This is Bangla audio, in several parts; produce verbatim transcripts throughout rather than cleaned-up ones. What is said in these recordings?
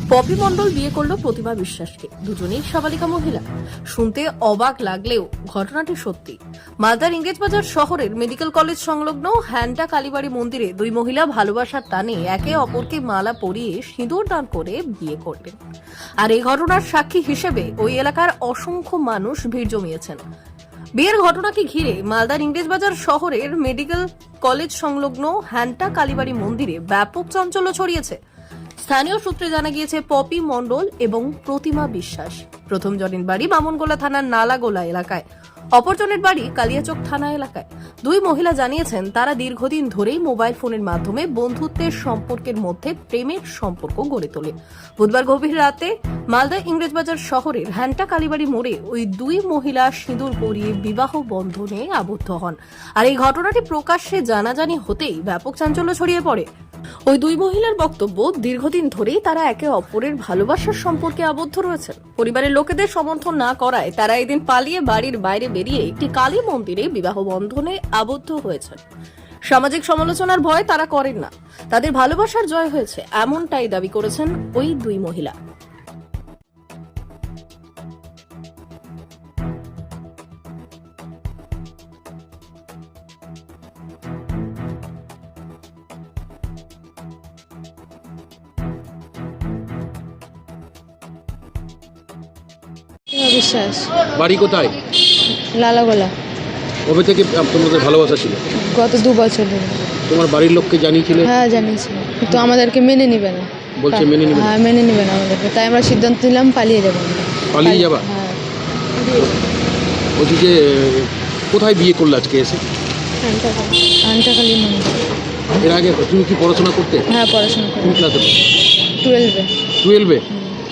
পপি মণ্ডল বিয়ে করলো প্রতিমা বিশ্বাসকে। দুজনেই সাবালিকা মহিলা। শুনতে অবাক লাগলেও ঘটনাটি সত্যি। মালদার ইংরেজবাজার শহরের মেডিকেল কলেজ সংলগ্ন হ্যান্টা কালীবাড়ি মন্দিরে দুই মহিলা ভালোবাসার টানে একে অপরকে মালা পরিয়ে সিঁদুর দান করে বিয়ে করলেন। আর এই ঘটনার সাক্ষী হিসেবে ওই এলাকার অসংখ্য মানুষ ভিড় জমিয়েছেন। বিয়ের ঘটনাকে ঘিরে মালদার ইংরেজবাজার শহরের মেডিকেল কলেজ সংলগ্ন হ্যান্টা কালীবাড়ি মন্দিরে ব্যাপক চাঞ্চল্য ছড়িয়েছে। স্থানীয় সূত্রে জানা গিয়েছে, পপি মণ্ডল এবং প্রতিমা বিশ্বাস প্রথম জনের বাড়ি বামনগোলা থানার নালাগোলা এলাকায়, অপরজনের বাড়ি কালিয়াচক থানা এলাকায়। দুই মহিলা জানিয়েছেন তারা দীর্ঘদিন ধরেই মোবাইল ফোনের মাধ্যমে বন্ধুত্বের সম্পর্কের মধ্যে প্রেমের সম্পর্ক গড়ে তোলে। বুধবার গভীর রাতে মালদা ইংরেজবাজার শহরের হ্যান্টা কালীবাড়ি মোড়ে ওই দুই মহিলা সিঁদুর পরিয়ে বিবাহ বন্ধনে আবদ্ধ হন। আর এই ঘটনাটি প্রকাশ্যে জানাজানি হতেই ব্যাপক চাঞ্চল্য ছড়িয়ে পড়ে। ওই দুই মহিলার বক্তব্য, দীর্ঘদিন ধরেই তারা একে অপরের ভালোবাসার সম্পর্কে আবদ্ধ রয়েছেন। পরিবারের লোকেদের সমর্থন না করায় তারা এদিন পালিয়ে বাড়ির বাইরে বেরিয়ে একটি কালী মন্দিরে বিবাহ বন্ধনে আবদ্ধ হয়েছেন। সামাজিক সমালোচনার ভয় তারা করেন না, তাদের ভালোবাসার জয় হয়েছে, এমনটাই দাবি করেছেন ওই দুই মহিলা। বিশ্বাস বাড়ি কোথায়? লালাগোলা। কবে থেকে তোমাদের ভালোবাসা ছিল? গত দু বছর ধরে। তোমার বাড়ির লোককে জানিয়েছিলে? হ্যাঁ জানিয়েছি, কিন্তু আমাদেরকে মেনে নিবে না। বলছে মেনে নিবে না? হ্যাঁ মেনে নিবে না আমাদেরকে, তাই আমরা সিদ্ধান্ত নিলাম পালিয়ে যাবো। পালিয়ে যাবা? হ্যাঁ। বলছি যে কোথায় বিয়ে করলে আজকে এসে? আন্টাকালী মন্দির। এর আগে তুমি কি পড়াশোনা করতে? হ্যাঁ পড়াশোনা করি। কোন ক্লাসে? টুয়েলভে। টুয়েলভে?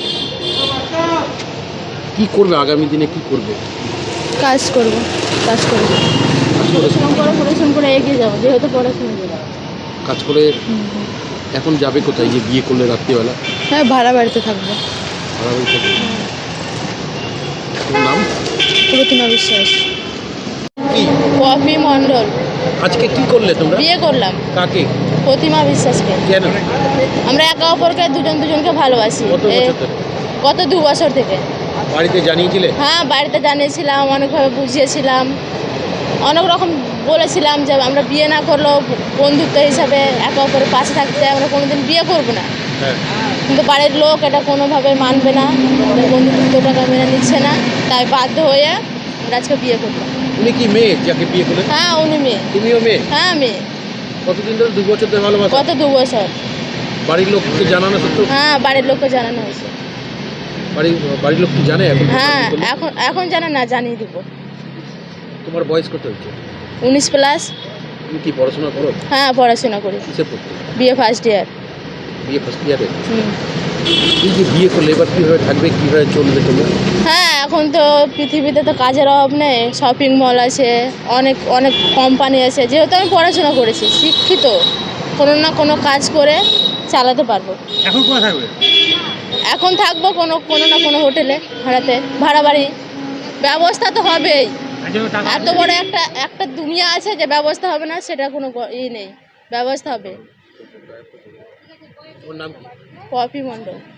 কি করবে আগামী দিনে, কি করবে? কাজ করবো, কাজ করবো পড়াশোনা করে এগিয়ে যাবো, যেহেতু পড়াশোনা করবো। কাজ করে এখন যাবে কোথায় যে বিয়ে করলে রাত্রিবেলা? হ্যাঁ ভাড়া বাড়িতে থাকবো। ভাড়া বাড়ি থাকবে। তোমার নাম? প্রতিমা বিশ্বাস। কি? পপি মণ্ডল। আজকে কি করলে তোমরা? বিয়ে করলাম। কাকে? প্রতিমা বিশ্বাসকে। কেন? আমরা একে অপরকে দুজন দুজনকে ভালোবাসি। কত বছর ধরে? গত দু বছর থেকে। বাড়িতে জানিয়েছিলে? হ্যাঁ বাড়িতে জানিয়েছিলাম, অনেকভাবে বুঝিয়েছিলাম, অনেক রকম বলেছিলাম যে আমরা বিয়ে না করলেও বন্ধুত্ব হিসাবে একে অপরের পাশে থাকতে, আমরা কোনোদিন বিয়ে করবো না। কিন্তু বাড়ির লোক এটা কোনোভাবে মানবে না, বন্ধুত্বটাকে মেনে নিচ্ছে না, তাই বাধ্য হয়ে আমরা আজকে বিয়ে করলাম। উনি কি মেয়ে যাকে বিয়ে করলেন? হ্যাঁ উনি মেয়ে। তুমিও মেয়ে? হ্যাঁ মেয়ে। কতদিন ধরে? দু বছর ধরে ভালোবাসা? গত দু বছর। বাড়ির লোককে জানানো সত্ত্বেও? হ্যাঁ বাড়ির লোককে জানানো হয়েছে। বাড়ির বাড়ির লোক কি জানে এখন? হ্যাঁ এখন এখন জানে না, জানিয়ে দেবো। তোমার বয়স কত হচ্ছে? উনিশ প্লাস। তুমি কি পড়াশোনা করো? হ্যাঁ পড়াশোনা করি। কিসে পড়তে? বিয়ে ফার্স্ট ইয়ার। বিয়ে ফার্স্ট ইয়ারে? হুম। এই যে বিয়ে করলে এবার কীভাবে থাকবে, কীভাবে চলবে তোমরা? হ্যাঁ এখন তো পৃথিবীতে তো কাজের অভাব নেই, শপিং মল আছে, অনেক অনেক কোম্পানি আছে। যেহেতু আমি পড়াশোনা করেছি, শিক্ষিত, কোনো না কোনো কাজ করে চালাতে পারবো। এখন কোথায় থাকবে? এখন থাকবো কোনো কোনো না কোনো হোটেলে, ভাড়াতে, ভাড়া বাড়ি। ব্যবস্থা তো হবেই। এত বড় একটা একটা দুনিয়া আছে যে ব্যবস্থা হবে না, সেটা কোনো ই নেই, ব্যবস্থা হবে। ওর নাম কি? পপি মণ্ডল।